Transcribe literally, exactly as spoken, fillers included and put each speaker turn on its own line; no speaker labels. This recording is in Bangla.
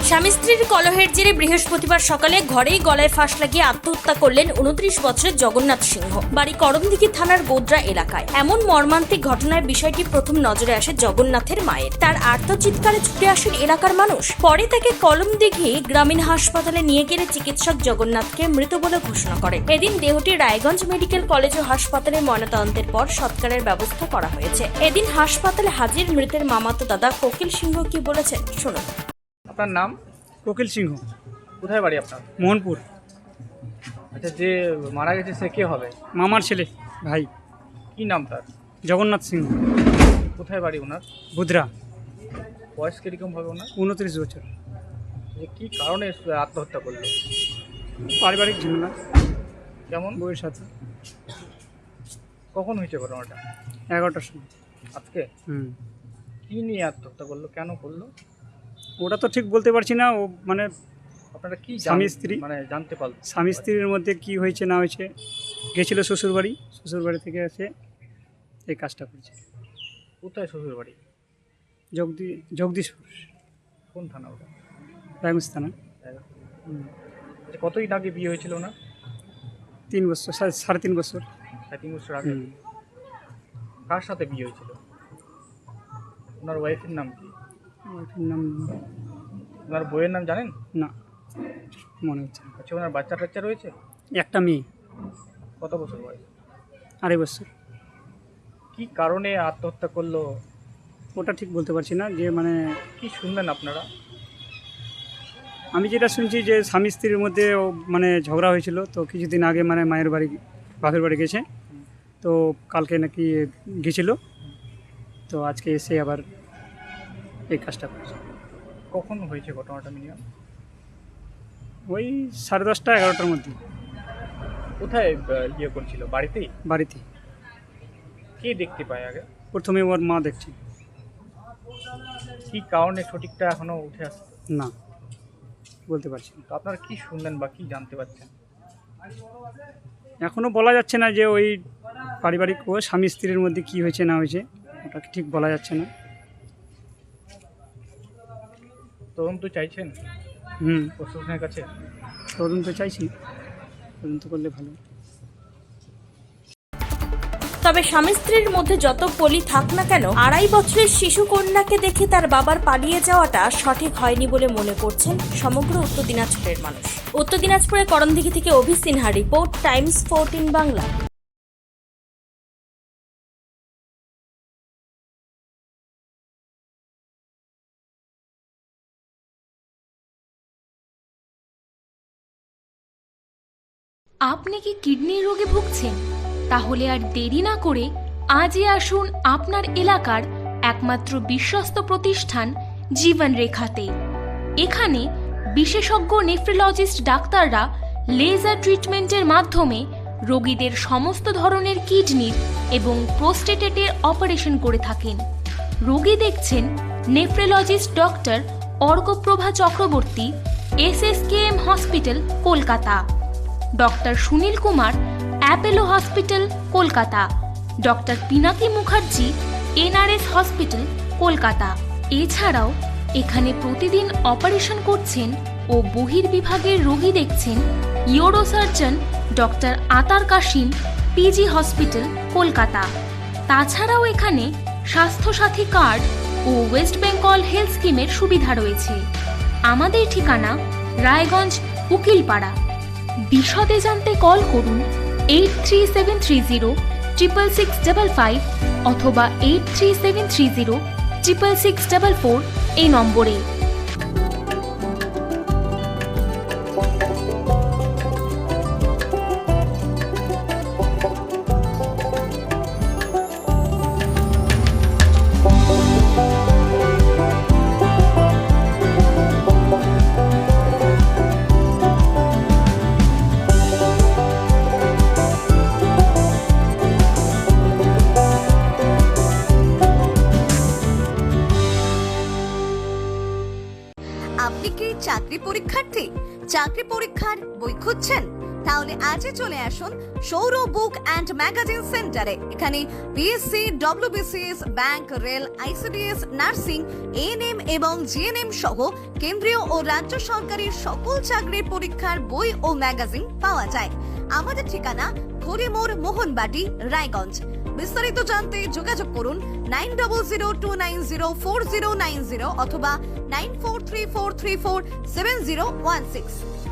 স্বামী স্ত্রীর কলহের জেরে বৃহস্পতিবার সকালে ঘরেই গলায় ফাঁস লাগিয়ে আত্মহত্যা করলেন উনত্রিশ বছরের জগন্নাথ সিংহ। বাড়ি করমদিঘি থানার গোদ্রা এলাকায়। এমন মর্মান্তিক ঘটনায় বিষয়টি প্রথম নজরে আসে জগন্নাথের মায়ের। তার আর্তচিৎকারে ছুটে আসেন এলাকার মানুষ। পরে তাকে করমদিঘি গ্রামীণ হাসপাতালে নিয়ে গেলে চিকিৎসক জগন্নাথকে মৃত বলে ঘোষণা করে। এদিন দেহটি রায়গঞ্জ মেডিকেল কলেজ ও হাসপাতালে ময়নাতদন্তের পর সৎকারের ব্যবস্থা করা হয়েছে। এদিন হাসপাতালে হাজির মৃতের মামাতো দাদা কোকিল সিংহ কি বলেছেন শুনুন।
আপনার নাম?
কোকিল সিংহ।
কোথায় বাড়ি আপনার?
মোহনপুর।
আচ্ছা, যে মারা গেছে সে কে হবে?
মামার ছেলে, ভাই।
কি নাম তার?
জগন্নাথ সিংহ।
কোথায় বাড়ি ওনার?
বুধরা।
বয়স কিরকম হবে ওনার?
উনত্রিশ বছর।
যে কি কারণে আত্মহত্যা করলো?
পারিবারিক ঝামেলা।
কেমন?
বউয়ের সাথে।
কখন হয়েছে ঘটনাটা?
এগারোটার সময়।
আজকে?
হুম।
কি নিয়ে আত্মহত্যা করলো, কেন করলো?
ওটা তো ঠিক বলতে পারছি না। ও মানে
আপনারা কি
স্বামী স্ত্রী
মানে জানতে পারলেন?
স্বামী স্ত্রীর মধ্যে কি হয়েছে না হয়েছে, গেছিল শ্বশুরবাড়ি, শ্বশুরবাড়ি থেকে এসে এই কাজটা করেছে।
কোথায় শ্বশুর বাড়ি?
জগদি জগদীশপুর।
কোন থানা ওটা?
রায়গঞ্জ থানা। হুম।
আচ্ছা, কতদিন আগে বিয়ে হয়েছিল ওনার?
তিন বছর, সাড়ে সাড়ে তিন বছর।
সাড়ে তিন বছর আগে।
হুম।
কার সাথে বিয়ে হয়েছিল? ওনার ওয়াইফের নাম কি?
ওটার নাম
ওনার বইয়ের নাম জানেন?
না, মনে হচ্ছে না।
আচ্ছা, ওনার বাচ্চা টাচ্চা রয়েছে?
একটা মেয়ে।
কত বছর বয়স?
আড়াই বছর।
কি কারণে আত্মহত্যা করলো
ওটা ঠিক বলতে পারছি না। যে মানে
কি শুনলেন আপনারা?
আমি যেটা শুনছি যে স্বামী স্ত্রীর মধ্যে ও মানে ঝগড়া হয়েছিল, তো কিছুদিন আগে মানে মায়ের বাড়ি, বাপের বাড়ি গেছে, তো কালকে নাকি গেছিলো, তো আজকে এসে আবার এই কাজটা করেছে।
কখন হয়েছে ঘটনাটা মিনিমাম?
ওই সাড়ে দশটা এগারোটার মধ্যে।
কোথায় আহ, ইয়ে করছিল? বাড়িতেই?
বাড়িতে।
কে দেখতে পায় আগে?
প্রথমে ওর মা দেখছে।
কি কারণে সঠিকটা এখনো উঠে আসছে
না, বলতে পারছি না।
তো আপনারা কি শুনলেন বা কি জানতে পারছেন?
এখনও বলা যাচ্ছে না যে ওই পারিবারিক ও স্বামী স্ত্রীর মধ্যে কি হয়েছে না হয়েছে, ওটা ঠিক বলা যাচ্ছে না।
তদন্ত চাইছেন
হুম,
প্রশাসনের কাছে?
তদন্ত চাইছি, তদন্ত করলে ভালো।
তবে স্বামী স্ত্রীর মধ্যে যত পলি থাক না কেন, আড়াই বছরের শিশু কন্যাকে দেখে তার বাবার পালিয়ে যাওয়াটা সঠিক হয়নি বলে মনে করছেন সমগ্র উত্তর দিনাজপুরের মানুষ। উত্তর দিনাজপুরের করমদিঘি থেকে Abhi Sinha report, Times fourteen Bangla.
আপনি কি কিডনি রোগে ভুগছেন? তাহলে আর দেরি না করে আজই আসুন আপনার এলাকার একমাত্র বিশ্বস্ত প্রতিষ্ঠান জীবন রেখাতে। এখানে বিশেষজ্ঞ নেফ্রোলজিস্ট ডাক্তাররা লেজার ট্রিটমেন্টের মাধ্যমে রোগীদের সমস্ত ধরনের কিডনির এবং প্রোস্টেটেটের অপারেশন করে থাকেন। রোগী দেখছেন nephrologist doctor Arkaprabha Chakraborty, S S K M hospital, Kolkata. Doctor Sunil Kumar, Apollo hospital, Kolkata. Doctor Pinaki Mukherjee, N R S hospital, Kolkata. এছাড়াও এখানে প্রতিদিন অপারেশন করছেন ও বহির্বিভাগের রোগী দেখছেন ইউরোসার্জন ডক্টর আতার কাশিম, পিজি হসপিটাল, কলকাতা। তাছাড়াও এখানে স্বাস্থ্যসাথী কার্ড ও ওয়েস্ট বেঙ্গল হেলথ স্কিমের সুবিধা রয়েছে। আমাদের ঠিকানা রায়গঞ্জ, উকিলপাড়া। বিশদে জানতে কল করুন eight three seven three zero triple six double five অথবা eight three seven three zero triple six double four এই নম্বরে।
আপনি কি চাকরি পরীক্ষার্থী? চাকরি পরীক্ষার বই খুঁজছেন? তাহলে আজই চলে আসুন সৌর বুক অ্যান্ড ম্যাগাজিন সেন্টারে। এখানে BSc, WBCS, bank, rail, ICDS, nursing, ANM এবং জিএনএম সহ কেন্দ্রীয় ও রাজ্য সরকারের সকল চাকরির পরীক্ষার বই ও ম্যাগাজিন পাওয়া যায়। আমাদের ঠিকানা খড়িমোড়, মোহনবাটি, রায়গঞ্জ। বিস্তারিত জানতে যোগাযোগ করুন nine double zero two nine zero four zero nine zero অথবা nine four three four three four seven zero one six.